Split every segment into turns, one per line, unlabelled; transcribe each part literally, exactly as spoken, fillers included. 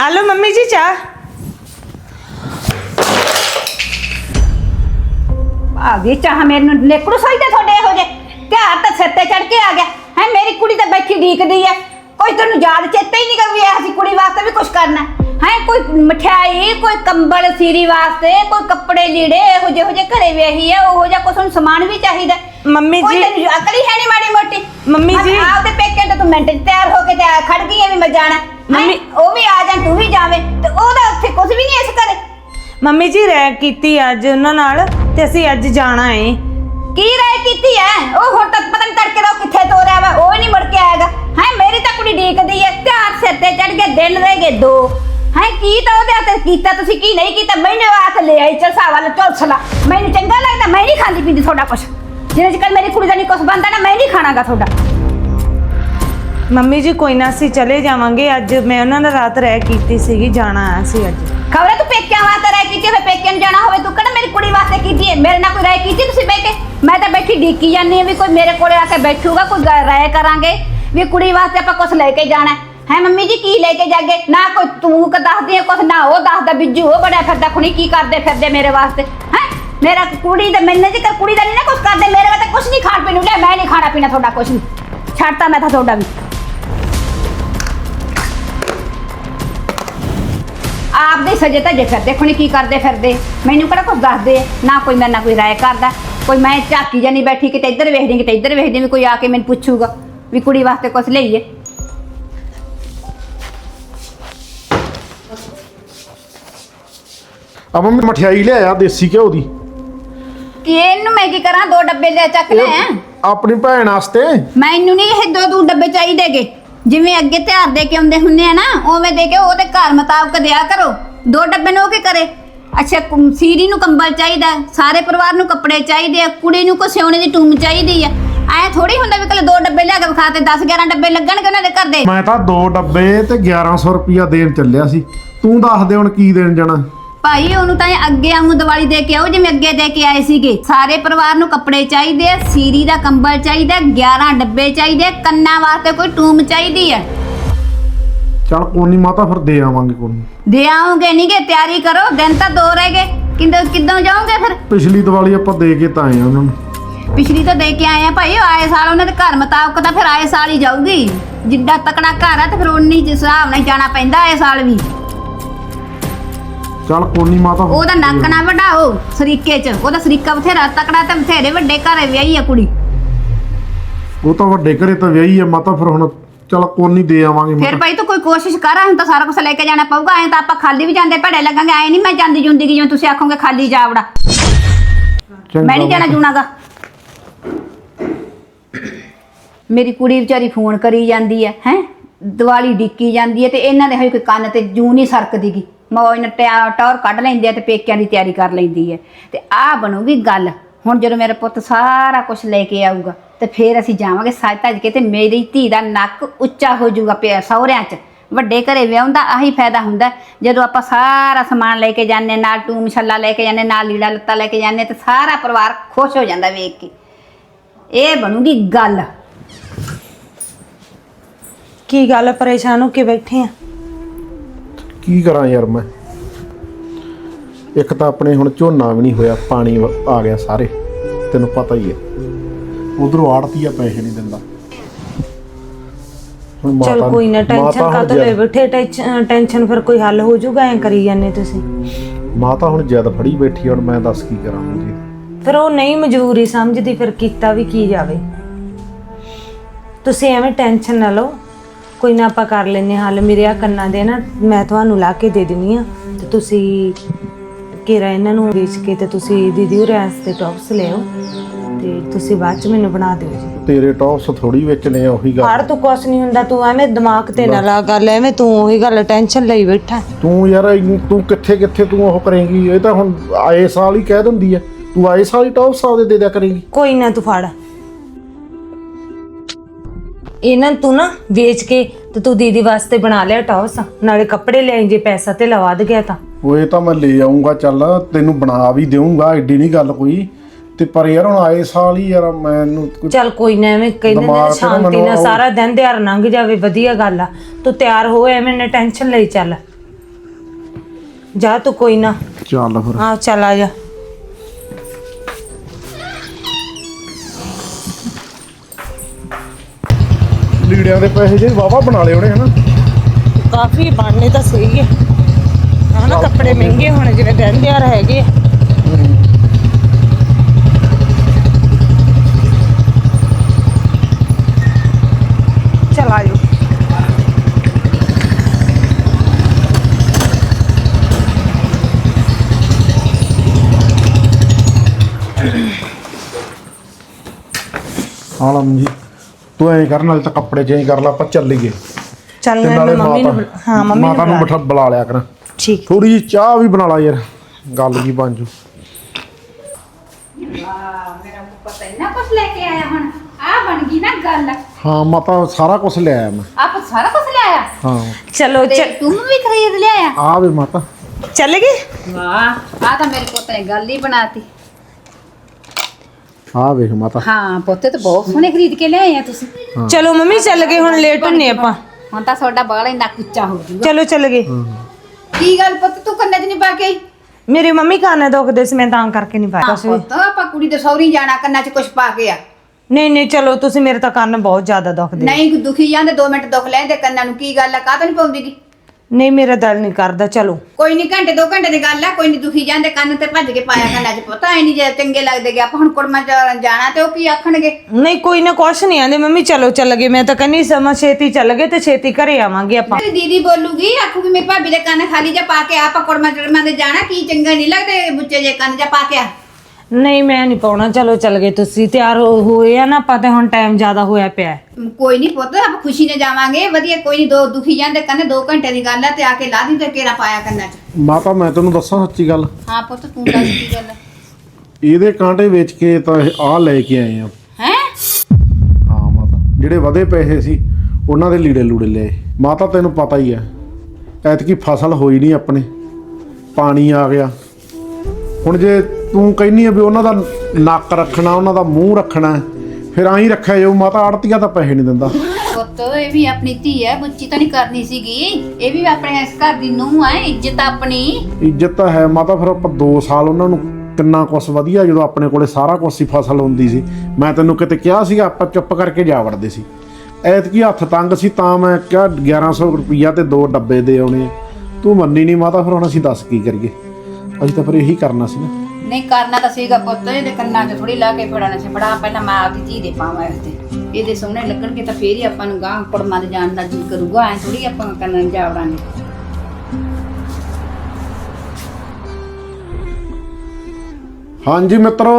Hello mummy जी चाह।
आ गई चाह मेरे नेकड़ू सोई ते थोड़े हो जे ध्यान तो सिर ते चढ़ के आ गया है। मेरी कुड़ी तो बैठी ढीकदी है, कोई तेन याद चेता ही नहीं कर भी ऐसी कुड़ी वास्ते भी कुछ करना है। कोई मिठाई, कोई कंबल सीरी वास्ते, कोई कपड़े लीड़े हो जे हो जे घरे वेही है वो जा कुछ सामान भी चाहिए।
मम्मी जी
अकल ही है नहीं माड़ी मोटी।
मम्मी जी
आपके पेके तो तू मिनट तैयार होके ते खड़ गई है भी मैं जाना
मम्मी
वो भी आ जाए तू भी जावे तो ओदा उत्थे कुछ भी नहीं इस करे।
मम्मी जी रह कीती अज उन्हां नाल ते ਅਸੀਂ ਅੱਜ ਜਾਣਾ है।
की राय कीती है ओ हुण तक पता नहीं तड़के दा किथे तोरिया वा ओ नहीं मुड़ के आएगा है। मेरी तो कुड़ी ढीकदी है त्यार सिर ते चढ़ गए दिन रह गए दो है। की तो ओदे हत्थ कीता तुसी की नहीं कीता मैनू हाथ ले आई चलसा वाला चौसला मैनू चंगा लगदा। मैं नहीं खांदी पींदी थोड़ा कुछ जिन्ने चिकर मेरी कुड़ी दा नहीं कुछ बनदा ना मैं नहीं खाणागा थोड़ा।
मम्मी जी कोई ना ਅਸੀਂ चले जावांगे ਅੱਜ मैं ਉਹਨਾਂ ਨਾਲ ਰਾਤ ਰਹਿ ਕੀਤੀ ਸੀਗੀ ਜਾਣਾ ਆ ਸੀ ਅੱਜ।
खबर तू पेक्या वास्ते राय कीती है पेक्या न जाना होवे तू कड़ा मेरी कुड़ी वास्ते कीती है मेरे ना कोई राय कीती तुसी बैठ के। मैं तो बैठी ढीकी जानी है भी कोई मेरे कोले आके बैठूगा कोई राय करांगे भी कुड़ी वास्ते आपा कुछ लेके जाना है। मम्मी जी की लेके जागे ना कोई तू क दस दी कुछ ना वो दसदा बिज्जू वो बड़ा फिरदा खुणी की करदे फिरदे मेरे वास्ते है। मेरा कुड़ी ते मैंने जी कर कुड़ी दा नहीं ना कुछ करदे मेरे वास्ते कुछ नहीं खाण पीण ले मैं नहीं खाना पीना थोड़ा कुछ नहीं छाड़ता मैं था थोड़ा भी। आप दे सजे तजे फिरदे खुणी की करदे फिरदे मैनू किहड़ा कुछ दसदे ना कोई मेरे नाल कोई राय करदा कोई मैं झाकी जानी बैठी किते इधर वेखदी किते इधर वेखदी भी कोई आके मैनू पुछूगा भी कुड़ी वास्ते कुछ लईए।
अब मैं मठियाई ले आया देसी घ्यो दी
कि इनू मैं की करा दो डब्बे ले चक ले
अपनी भैन वास्ते।
मैनू नहीं ये दो दो डब्बे चाहिए गे जिवें अगे त्यार दे के आउंदे हुंदे आ ना उवें दे के ओदे घर मुताबिक दिया करो। दो डब्बे नो के करे अच्छा सीरी नू कंबल चाहिए सारे परिवार नू कपड़े चाहिए कुड़ी नू को सिउणे दी टूम चाहिए है। ऐ थोड़ी हुंदा भी कल दो डब्बे लिया के विखाते दस ग्यारह डब्बे लगणगे उन्हां दे घर दे।
मैं तां दो डब्बे ते ग्यारह सौ रुपया देन ਚੱਲਿਆ ਸੀ तू दस दे हुण की देन जाना।
भाई ਉਹਨੂੰ ਤਾਂ ਅੱਗੇ ਆਉਂ ਦੀਵਾਲੀ ਦੇ ਕੇ ਆਓ ਜਿਵੇਂ ਅੱਗੇ ਦੇ ਕੇ ਆਏ ਸੀਗੇ। ਸਾਰੇ ਪਰਿਵਾਰ ਨੂੰ ਕੱਪੜੇ ਚਾਹੀਦੇ ਆ ਸੀਰੀ ਦਾ ਕੰਬਲ ਚਾਹੀਦਾ ਗਿਆਰਾਂ ਡੱਬੇ ਚਾਹੀਦੇ ਕੰਨਾਂ ਵਾਸਤੇ ਕੋਈ ਟੂਮ ਚਾਹੀਦੀ ਹੈ।
चल कोई नहीं माता फिर दे आवांगे कोई नहीं।
ਦੇ ਆਉਂਗੇ ਨਹੀਂਗੇ ਤਿਆਰੀ ਕਰੋ ਦਿਨ ਤਾਂ ਦੋ ਰਹਿ ਗਏ ਕਿੰਦੋਂ ਕਿੱਦੋਂ ਜਾਓਗੇ ਫਿਰ।
ਪਿਛਲੀ ਦੀਵਾਲੀ ਆਪਾਂ ਦੇ ਕੇ ਤਾਂ ਆਏ ਆ ਉਹਨਾਂ ਨੂੰ।
ਪਿਛਲੀ ਤਾਂ ਦੇ ਕੇ ਆਏ ਆ ਭਾਈ ਆਏ ਸਾਲ ਉਹਨਾਂ ਦੇ ਘਰ ਮੁਤਾਬਕ ਤਾਂ ਫਿਰ ਆਏ ਸਾਲ ਹੀ ਜਾਊਗੀ ਜਿੱਡਾ ਤਕੜਾ ਘਰ ਆ ਤੇ ਫਿਰ ਉਨੀ ਜਿਸ ਹਿਸਾਬ ਨਾਲ ਜਾਣਾ ਪੈਂਦਾ ਆਏ ਸਾਲ ਵੀ।
चल कोई नहीं माता
ਉਹਦਾ ਨੱਕ ਨਾ ਵਢਾਓ ਸਰੀਕੇ ਚ ਉਹਦਾ ਸਰੀਕਾ ਬਥੇਰਾ ਤਕੜਾ ਤੇ ਬਥੇਰੇ ਵੱਡੇ ਘਰੇ ਵਿਆਹੀ ਆ ਕੁੜੀ।
ਉਹ ਤਾਂ ਵੱਡੇ ਘਰੇ ਤਾਂ ਵਿਆਹੀ ਆ ਮਾਤਾ ਫਿਰ ਹੁਣ चल कोई नहीं दे आवांगे।
फिर भाई तो कोई कोशिश कर हम तो सारा कुछ लेके जाना पऊगा ऐ तो आप खाली भी जाते भड़े लगेंगे ऐ नहीं मैं जाती जूंदी जिवें तुसीं आखोगे खाली जावड़ा मैं नहीं जाना जूनागा। मेरी कुड़ी बेचारी फोन करी जाती है हैं दिवाली डिक्की जाती है तो इन्हां दे कोई कन्न ते जू नहीं सरकदी गी मौज नाल टौर कढ लैंदे ते पेकिਆਂ ਦੀ ਤਿਆਰੀ कर लैंदी है ते आ बनूगी गल। ਹੁਣ ਜਦੋਂ ਮੇਰਾ ਪੁੱਤ ਸਾਰਾ ਕੁਝ ਲੈ ਕੇ ਆਊਗਾ ਤੇ ਫਿਰ ਅਸੀਂ ਜਾਵਾਂਗੇ ਸੱਜ ਧੱਜ ਕੇ ਤੇ ਮੇਰੀ ਧੀ ਦਾ ਨੱਕ ਉੱਚਾ ਹੋ ਜਾਊਗਾ ਪਿਆ ਸਹੁਰਿਆਂ 'ਚ। ਵੱਡੇ ਘਰੇ ਵਿਆਹੁੰਦਾ ਆਹੀ ਫਾਇਦਾ ਹੁੰਦਾ ਜਦੋਂ ਆਪਾਂ ਸਾਰਾ ਸਮਾਨ ਲੈ ਕੇ ਜਾਂਦੇ ਨਾਲ ਟੂਮ ਛੱਲਾ ਲੈ ਕੇ ਜਾਂਦੇ ਨਾਲ ਲੀੜਾ ਲੱਤਾ ਲੈ ਕੇ ਜਾਂਦੇ ਤੇ ਸਾਰਾ ਪਰਿਵਾਰ ਖੁਸ਼ ਹੋ ਜਾਂਦਾ ਵੇਖ ਕੇ। ਇਹ ਬਣੂਗੀ ਗੱਲ।
ਕੀ ਗੱਲ ਪਰੇਸ਼ਾਨ ਹੋ ਕੇ ਬੈਠੇ ਆ?
ਕੀ ਕਰਾਂ ਯਾਰ ਮੈਂ ਇੱਕ ਤਾਂ ਆਪਣੇ ਹੁਣ ਝੋਨਾ ਵੀ ਨਹੀਂ ਹੋਇਆ ਪਾਣੀ ਆ ਗਿਆ ਸਾਰੇ ਤੈਨੂੰ ਪਤਾ ਹੀ ਹੈ। ਉਧਰੋਂ ਆੜਤੀਆ ਪੈਸੇ ਨਹੀਂ ਦਿੰਦਾ।
चल कोई ना टेंशन का तो ले बैठे टेंशन फिर कोई हल हो जाऊगा ऐ करी जाने तुसी।
माता हुण जिद फड़ी बैठी हुण मैं दस की कਰਾਂ जी
फिर वो नहीं मजबूरी समझदी फिर कीता भी की जावे। तुसी एवें टेंशन ना लो कोई ना आपां कर लैने हल। मेरे आ कन्ना दे ना मैं तुहानू ला के दे दिनी आ ते तुसी घेरा इन्हां नू बेच के ते तुसी दीदी होरें वास्ते टॉप्स ले आओ ਤੇ ਤੁਸੀਂ ਬਾਅਦ ਚ ਮੈਨੂੰ ਬਣਾ ਦਿਓ ਜੀ। ਤੇਰੇ
ਟੌਪਸ ਥੋੜੀ ਵੇਚਣੇ ਆ ਉਹੀ ਗੱਲ।
ਹਰ ਤੂੰ ਕੁਛ ਨਹੀਂ ਹੁੰਦਾ ਤੂੰ ਐਵੇਂ ਦਿਮਾਗ ਤੇ ਨਾ ਲਾ ਗੱਲ ਐਵੇਂ ਤੂੰ ਉਹੀ ਗੱਲ ਟੈਨਸ਼ਨ ਲਈ ਬੈਠਾ।
ਤੂੰ ਯਾਰ ਤੂੰ ਕਿੱਥੇ ਕਿੱਥੇ ਤੂੰ ਉਹ ਕਰੇਂਗੀ ਇਹ ਤਾਂ ਹੁਣ ਆਏ ਸਾਲ ਹੀ ਕਹਿ ਦਿੰਦੀ ਆ ਤੂੰ ਆਏ ਸਾਲ ਹੀ ਟੌਪਸ ਆਦੇ ਦੇ ਦਿਆ ਕਰੇਂਗੀ।
ਕੋਈ ਨਾ ਤੂੰ ਫੜ ਇਹਨਾਂ ਤੂੰ ਨਾ ਵੇਚ ਕੇ ਤੇ ਤੂੰ ਦੀਦੀ ਵਾਸਤੇ ਬਣਾ ਲਿਆ ਟੌਪਸ ਨਾਲੇ ਕੱਪੜੇ ਲੈ ਜੇ ਪੈਸਾ ਤੇ ਲਵਾ ਦ ਗਿਆ ਤਾਂ ਉਹ
ਇਹ ਤਾਂ ਮੈਂ ਲੈ ਆਉਂਗਾ ਚੱਲ ਤੈਨੂੰ ਬਣਾ ਵੀ ਦੇਵਾਂਗਾ ਐਡੀ ਨਹੀਂ ਗੱਲ ਕੋਈ ਤੇ ਪਰ ਯਾਰ ਹੁਣ ਆਏ ਸਾਲ ਹੀ ਯਾਰ ਮੈਨੂੰ ਚੱਲ
ਕੋਈ ਨਾ ਐਵੇਂ ਕਹਿੰਦੇ ਨੇ ਸ਼ਾਂਤੀ ਨਾਲ ਸਾਰਾ ਦਿਨ ਦਿਹਾੜ ਲੰਘ ਜਾਵੇ ਵਧੀਆ ਗੱਲ ਆ। ਤੂੰ ਤਿਆਰ ਹੋ ਐਵੇਂ ਨਾ ਟੈਨਸ਼ਨ ਲਈ ਚੱਲ ਜਾ ਤੂੰ ਕੋਈ ਨਾ।
ਚੱਲ ਫਿਰ
ਆ ਚੱਲ ਆ ਜਾ।
ਲੀੜਿਆਂ ਦੇ ਪੈਸੇ ਜੇ ਵਾਵਾ ਬਣਾ ਲਏ ਉਹਨੇ ਹਨਾ।
ਕਾਫੀ ਬਣਨੇ ਤਾਂ ਸਹੀ ਹੈ ਹਨਾ। ਕੱਪੜੇ ਮਹਿੰਗੇ ਹੁਣ ਜਿਵੇਂ ਦਿਨ ਤਿਉਹਾਰ ਹੈਗੇ ਆ। ਚਲ ਆ ਜਾਓ।
ਹਾਂ ਲਾ ਜੀ ਤੂੰ ਐਂ ਕਰ ਨਾਲ ਤਾਂ ਕੱਪੜੇ ਚੇਂਜ ਕਰ ਲਾ ਆਪਾਂ ਚੱਲੀਏ।
ਚੱਲ
ਤੇ
ਮੈਂ
ਨਾਲੇ
ਮੰਮੀ ਨੂੰ
ਮਾਤਾ
ਬੁਲਾ- ਹਾਂ ਮੰਮੀ ਨੂੰ
ਮਾਤਾ ਨੂੰ
ਬੁਲਾ-
ਬਿਠਾ ਬੁਲਾ ਲਿਆ ਕਰ।
ਠੀਕ।
ਥੋੜੀ ਜਿਹੀ ਚਾਹ ਵੀ ਬਣਾ ਲਾ ਯਾਰ ਗੱਲ ਕੀ ਬਣ ਜੂ।
ਵਾਹ ਮੇਰਾ ਪਤਾ ਇੰਨਾ ਕੁਛ ਲੈ ਕੇ ਆਇਆ ਹੁਣ ਆ ਬਣ ਗਈ ਨਾ ਗੱਲ।
ਹਾਂ ਮਾਤਾ ਸਾਰਾ ਕੁਝ ਲੈ ਆਇਆ ਮੈਂ।
ਆਪ ਸਾਰਾ ਕੁਛ ਲਿਆਇਆ
ਹਾਂ
ਚਲੋ
ਤੇ
ਚ-
ਤੂੰ ਵੀ ਖਰੀਦ ਲਿਆਇਆ।
ਆ ਵੇ ਮਾਤਾ
ਚੱਲ ਗਏ।
ਵਾਹ ਆ ਤਾਂ ਮੇਰੇ ਪੁੱਤ ਨੇ ਗੱਲ ਹੀ ਬਣਾਤੀ।
ਆ ਵੇਖ ਮਾਤਾ
ਹਾਂ ਪੁੱਤੇ ਤਾਂ ਬਹੁਤ ਸੋਹਣੇ ਖਰੀਦ ਕੇ ਲਿਆਏ ਆ ਤੁਸੀਂ।
ਚਲੋ ਮੰਮੀ ਚੱਲ ਗਏ ਹੁਣ ਲੇਟ ਹੁੰਨੇ ਆਪਾਂ।
ਹੁਣ ਤਾਂ ਤੁਹਾਡਾ ਬਾਲ ਇੰਨਾ ਕੁੱਚਾ ਹੋ ਜੂਗਾ।
ਚਲੋ ਚੱਲ ਗਏ।
ਕੀ ਗੱਲ ਪੁੱਤ ਤੂੰ ਕੰਨਾਂ 'ਚ ਨਹੀਂ ਪਾ ਕੇ ਆਈ?
ਮੇਰੇ ਮੰਮੀ ਕੰਨ ਦੁਖਦੇ ਸੀ ਮੈਂ ਤਾਂ ਕਰਕੇ ਨਹੀਂ ਪਾਇਆ
ਹਾਂ
ਕੁਛ ਵੀ।
ਪੁੱਤ ਆਪਾਂ ਕੁੜੀ ਦੇ ਸਹੁਰੀ ਜਾਣਾ ਕੰਨਾਂ 'ਚ ਕੁਛ ਪਾ ਕੇ ਆ।
ਨਹੀਂ ਨਹੀਂ ਚਲੋ ਤੁਸੀਂ ਮੇਰੇ ਤਾਂ ਕੰਨ ਬਹੁਤ ਜ਼ਿਆਦਾ ਦੁਖਦੇ।
ਨਹੀਂ ਦੁਖੀ ਜਾਂਦੇ ਦੋ ਮਿੰਟ ਦੁੱਖ ਲੈਂਦੇ ਕੰਨਾਂ ਨੂੰ। ਕੀ ਗੱਲ ਆ ਕਾਹ ਤੋਂ ਨਹੀਂ ਪਾਉਂਦੀਗੀ?
ਨਹੀਂ ਮੇਰਾ ਦਿਲ ਨਹੀਂ ਕਰਦਾ। ਚਲੋ
ਕੋਈ ਨਹੀਂ ਘੰਟੇ ਦੋ ਘੰਟੇ ਦੀ ਗੱਲ ਆ। ਕੋਈ ਨਹੀਂ ਦੁਖੀ ਜਾਂਦੇ ਕੰਨ ਤੇ ਭੱਜ ਕੇ ਪਾਇਆ ਕੰਨਾਂ 'ਚ ਪੁੱਤ। ਐ ਨਹੀਂ ਜੇ ਚੰਗੇ ਲੱਗਦੇ ਗੇ। ਆਪਾਂ ਹੁਣ ਕੁੜਮਾ 'ਚ ਜਾਣਾ ਤੇ ਉਹ ਕੀ ਆਖਣਗੇ?
ਨਹੀਂ ਕੋਈ ਨਾ ਕੁਛ ਨਹੀਂ ਆਂਦੇ ਮੰਮੀ। ਚਲੋ ਚੱਲ ਗਏ। ਮੈਂ ਤਾਂ ਕਹਿੰਦੀ ਸਮਾਂ ਛੇਤੀ ਚੱਲ ਗਏ ਤੇ ਛੇਤੀ ਘਰੇ ਆਵਾਂਗੇ ਆਪਾਂ।
ਮੇਰੀ ਦੀਦੀ ਬੋਲੂਗੀ ਆਖੂਗੀ ਮੇਰੀ ਭਾਬੀ ਦੇ ਕੰਨ ਖਾਲੀ ਜਾ ਪਾ ਕੇ ਆ। ਆਪਾਂ ਕੁੜਮਾ ਚੜਮਾ ਦੇ ਜਾਣਾ ਕੀ ਚੰਗਾ ਨਹੀਂ ਲੱਗਦੇ ਬੁੱਚੇ ਜੇ ਕੰਨ ਜਾ ਪਾ ਕੇ ਆ।
ਨਹੀਂ ਮੈਂ ਨਹੀਂ ਪਾਉਣਾ। ਚਲੋ ਚੱਲ ਗਏ। ਤੁਸੀਂ ਤਿਆਰ ਹੋ- ਹੋਏ ਆ ਨਾ ਆਪਾਂ ਤੇ ਹੁਣ ਟਾਈਮ ਜ਼ਿਆਦਾ ਹੋਇਆ ਪਿਆ ਹੈ।
ਕੋਈ ਨਹੀਂ ਪੁੱਤ ਆਪਾਂ ਖੁਸ਼ੀ ਨਾਲ ਜਾਵਾਂਗੇ ਵਧੀਆ। ਕੋਈ ਨਹੀਂ ਦੋ ਦੁਖੀ ਜਾਂਦੇ ਕੰਨ ਦੋ ਘੰਟੇ ਦੀ ਗੱਲ ਆ ਤੇ ਆ ਕੇ ਲਾ ਦੀ ਤੇ ਕੇਰਾ ਪਾਇਆ ਕੰਨਾਂ 'ਚ।
ਮਾਤਾ ਮੈਂ ਤੈਨੂੰ ਦੱਸਾਂ ਸੱਚੀ ਗੱਲ।
ਹਾਂ ਪੁੱਤ ਤੂੰ ਦੱਸ ਕੀ ਗੱਲ
ਇਹਦੇ ਕਾਂਟੇ ਵੇਚ ਕੇ ਤਾਂ ਇਹ ਆ ਲੈ ਕੇ ਆਏ ਆ।
ਹੈ?
ਹਾਂ ਮਾਤਾ ਜਿਹੜੇ ਵਧੇ ਪੈਸੇ ਸੀ ਉਹਨਾਂ ਦੇ ਲੀੜੇ ਲੂੜੇ ਲਏ। ਮਾਤਾ ਤੈਨੂੰ ਪਤਾ ਹੀ ਆ ਐਤਕੀ ਫਸਲ ਹੋਈ ਨਹੀਂ ਆਪਣੇ। ਪਾਣੀ ਆ ਗਿਆ। ਹੁਣ ਜੇ ਤੂੰ ਕਹਿੰਦੀ ਆ ਵੀ ਉਹਨਾਂ ਦਾ ਨੱਕ ਰੱਖਣਾ ਉਹਨਾਂ ਦਾ ਮੂੰਹ ਰੱਖਣਾ ਫਿਰ ਆਈ ਰੱਖਿਆ ਜਾਊ। ਮਾਤਾ ਆੜਤੀਆ ਤਾਂ ਪੈਸੇ ਨਹੀਂ ਦਿੰਦਾ।
ਪੁੱਤ ਇਹ ਵੀ ਆਪਣੀ ਧੀ ਹੈ ਬੁੱਚੀ ਤਾਂ ਨਹੀਂ ਕਰਨੀ ਸੀਗੀ। ਇਹ ਵੀ ਆਪਣੇ ਇਸ ਘਰ ਦੀ ਨੂੰਹ ਹੈ ਇੱਜ਼ਤ ਆਪਣੀ।
ਇੱਜ਼ਤ ਤਾਂ ਹੈ ਮਾਤਾ। ਫਿਰ ਆਪਾਂ ਦੋ ਸਾਲ ਉਹਨਾਂ ਨੂੰ ਕਿੰਨਾ ਕੁਛ ਵਧੀਆ ਜਦੋਂ ਆਪਣੇ ਕੋਲੇ ਸਾਰਾ ਕੁਛ ਸੀ ਫਸਲ ਹੁੰਦੀ ਸੀ। ਮੈਂ ਤੈਨੂੰ ਕਿਤੇ ਕਿਹਾ ਸੀਗਾ ਆਪਾਂ ਚੁੱਪ ਕਰਕੇ ਜਾ ਵੜਦੇ ਸੀ। ਐਤਕੀ ਹੱਥ ਤੰਗ ਸੀ ਤਾਂ ਮੈਂ ਕਿਹਾ ਗਿਆਰਾਂ ਸੌ ਰੁਪਈਆ ਤੇ ਦੋ ਡੱਬੇ ਦੇ ਆਉਣੇ। ਤੂੰ ਮੰਨੀ ਨਹੀਂ ਮਾਤਾ। ਫਿਰ ਹੁਣ ਅਸੀਂ ਦੱਸ ਕੀ ਕਰੀਏ। ਅਸੀਂ ਤਾਂ ਫਿਰ ਇਹੀ ਕਰਨਾ ਸੀ ਨਾ।
ਨਹੀਂ ਕਰਨਾ ਤਾਂ ਸੀਗਾ ਪੁੱਤ। ਇਹਦੇ ਕੰਨਾਂ 'ਚ ਥੋੜੀ ਲਾ ਕੇ ਫੜਾਣਾ ਸੀ। ਫੜਾ ਪਹਿਲਾਂ ਮੈਂ ਆਪਦੀ ਧੀ ਦੇ ਪਾਵਾਂ ਇਹਦੇ ਇਹਦੇ ਸੋਹਣੇ ਲੱਗਣਗੇ ਤਾਂ ਫੇਰ ਹੀ ਆਪਾਂ ਨੂੰ ਗਾਂ ਕੁੜਮਾਂ ਦੇ ਜਾਣ ਦਾ ਜੀ ਕਰੂਗਾ। ਐ ਥੋੜੀ ਆਪਾਂ ਕੰਨਾਂ 'ਚ ਜਾ ਵੜਾਂਗੇ।
ਹਾਂਜੀ ਮਿੱਤਰੋ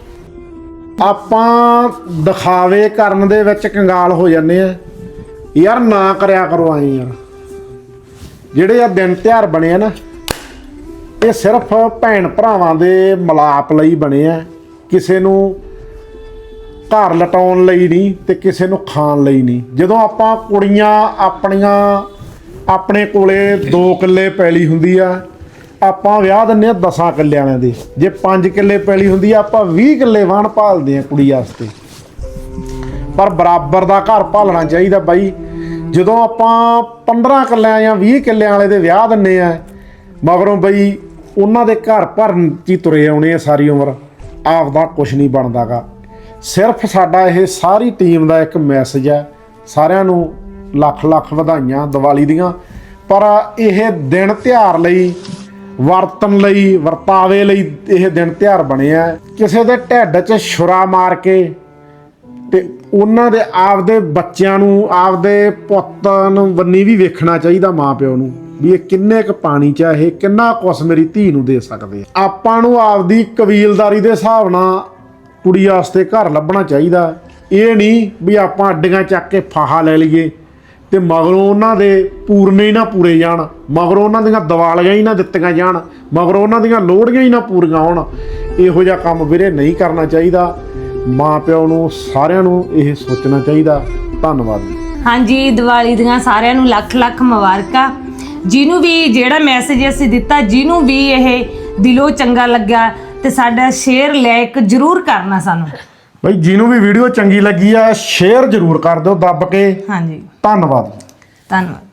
ਆਪਾਂ ਦਿਖਾਵੇ ਕਰਨ ਦੇ ਵਿੱਚ ਕੰਗਾਲ ਹੋ ਜਾਂਦੇ ਆ ਯਾਰ। ਨਾ ਕਰਿਆ ਕਰੋ ਆਏ ਯਾਰ। ਜਿਹੜੇ ਆ ਦਿਨ ਤਿਉਹਾਰ ਬਣੇ ਆ ਨਾ ਇਹ ਸਿਰਫ ਭੈਣ ਭਰਾਵਾਂ ਦੇ ਮਿਲਾਪ ਲਈ ਬਣੇ ਆ। ਕਿਸੇ ਨੂੰ ਘਰ ਲਟਾਉਣ ਲਈ ਨਹੀਂ ਤੇ ਕਿਸੇ ਨੂੰ ਖਾਣ ਲਈ ਨਹੀਂ। ਜਦੋਂ ਆਪਾਂ ਕੁੜੀਆਂ ਆਪਣੀਆਂ ਆਪਣੇ ਕੋਲੇ ਦੋ ਕਿੱਲੇ ਪੈਲੀ ਹੁੰਦੀ ਆ ਆਪਾਂ ਵਿਆਹ ਦਿੰਦੇ ਆ ਦਸਾਂ ਕਿੱਲਿਆਂ ਵਾਲਿਆਂ ਦੇ। ਜੇ ਪੰਜ ਕਿੱਲੇ ਪੈਲੀ ਹੁੰਦੀ ਆ ਆਪਾਂ ਵੀਹ ਕਿੱਲੇ ਵਾਹਣ ਭਾਲਦੇ ਆ ਕੁੜੀ ਵਾਸਤੇ। ਪਰ ਬਰਾਬਰ ਦਾ ਘਰ ਭਾਲਣਾ ਚਾਹੀਦਾ ਬਾਈ। ਜਦੋਂ ਆਪਾਂ ਪੰਦਰਾਂ ਕਿੱਲਿਆਂ ਜਾਂ ਵੀਹ ਕਿੱਲਿਆਂ ਵਾਲੇ ਦੇ ਵਿਆਹ ਦਿੰਦੇ ਆ ਮਗਰੋਂ ਬਈ ਉਹਨਾਂ ਦੇ ਘਰ ਭਰਨ 'ਚ ਹੀ ਤੁਰੇ ਆਉਣੇ ਆ ਸਾਰੀ ਉਮਰ। ਆਪਦਾ ਕੁਛ ਨਹੀਂ ਬਣਦਾਗਾ। ਸਿਰਫ ਸਾਡਾ ਇਹ ਸਾਰੀ ਟੀਮ ਦਾ ਇੱਕ ਮੈਸੇਜ ਹੈ। ਸਾਰਿਆਂ ਨੂੰ ਲੱਖ ਲੱਖ ਵਧਾਈਆਂ ਦੀਵਾਲੀ ਦੀਆਂ। ਪਰ ਇਹ ਦਿਨ ਤਿਉਹਾਰ ਲਈ ਵਰਤਨ ਲਈ ਵਰਤਾਵੇ ਲਈ ਇਹ ਦਿਨ ਤਿਉਹਾਰ ਬਣੇ ਆ। ਕਿਸੇ ਦੇ ਢਿੱਡ 'ਚ ਛੁਰਾ ਮਾਰ ਕੇ ਤੇ ਉਹਨਾਂ ਦੇ ਆਪਦੇ ਬੱਚਿਆਂ ਨੂੰ ਆਪਦੇ ਪੁੱਤ ਨੂੰ ਬੰਨੀ ਵੀ ਵੇਖਣਾ ਚਾਹੀਦਾ ਮਾਂ ਪਿਓ ਨੂੰ ਵੀ ਇਹ ਕਿੰਨੇ ਕੁ ਪਾਣੀ 'ਚ ਇਹ ਕਿੰਨਾ ਕੁਛ ਮੇਰੀ ਧੀ ਨੂੰ ਦੇ ਸਕਦੇ ਆ। ਆਪਾਂ ਨੂੰ ਆਪਦੀ ਕਬੀਲਦਾਰੀ ਦੇ ਹਿਸਾਬ ਨਾਲ ਕੁੜੀ ਵਾਸਤੇ ਘਰ ਲੱਭਣਾ ਚਾਹੀਦਾ। ਇਹ ਨਹੀਂ ਵੀ ਆਪਾਂ ਅੱਡੀਆਂ ਚੱਕ ਕੇ ਫਾਹਾ ਲੈ ਲਈਏ ਤੇ ਮਗਰੋਂ ਉਹਨਾਂ ਦੇ ਪੂਰਨੇ ਹੀ ਨਾ ਪੂਰੇ ਜਾਣ। ਮਗਰੋਂ ਉਹਨਾਂ ਦੀਆਂ ਦੀਵਾਲੀਆਂ ਹੀ ਨਾ ਦਿੱਤੀਆਂ ਜਾਣ। ਮਗਰੋਂ ਉਹਨਾਂ ਦੀਆਂ ਲੋਹੜੀਆਂ ਹੀ ਨਾ ਪੂਰੀਆਂ ਹੋਣ। ਇਹੋ ਜਿਹਾ ਕੰਮ ਵੀਰੇ ਨਹੀਂ ਕਰਨਾ ਚਾਹੀਦਾ। ਮਾਂ ਪਿਓ ਨੂੰ ਸਾਰਿਆਂ ਨੂੰ ਇਹ ਸੋਚਣਾ ਚਾਹੀਦਾ। ਧੰਨਵਾਦ ਜੀ।
ਹਾਂਜੀ ਦੀਵਾਲੀ ਦੀਆਂ ਸਾਰਿਆਂ ਨੂੰ ਲੱਖ ਲੱਖ ਮੁਬਾਰਕਾਂ। ਜਿਹਨੂੰ ਵੀ ਜਿਹੜਾ ਮੈਸੇਜ ਅਸੀਂ ਦਿੱਤਾ ਜਿਹਨੂੰ ਵੀ ਇਹ ਦਿਲੋਂ ਚੰਗਾ ਲੱਗਾ ਤੇ ਸਾਡਾ ਸ਼ੇਅਰ ਲਾਇਕ ਜ਼ਰੂਰ ਕਰਨਾ ਸਾਨੂੰ।
ਬਈ ਜਿਹਨੂੰ ਵੀ ਵੀਡੀਓ ਚੰਗੀ ਲੱਗੀ ਆ ਸ਼ੇਅਰ ਜ਼ਰੂਰ ਕਰ ਦਿਓ ਦੱਬ ਕੇ।
ਹਾਂਜੀ
ਧੰਨਵਾਦ।
ਧੰਨਵਾਦ।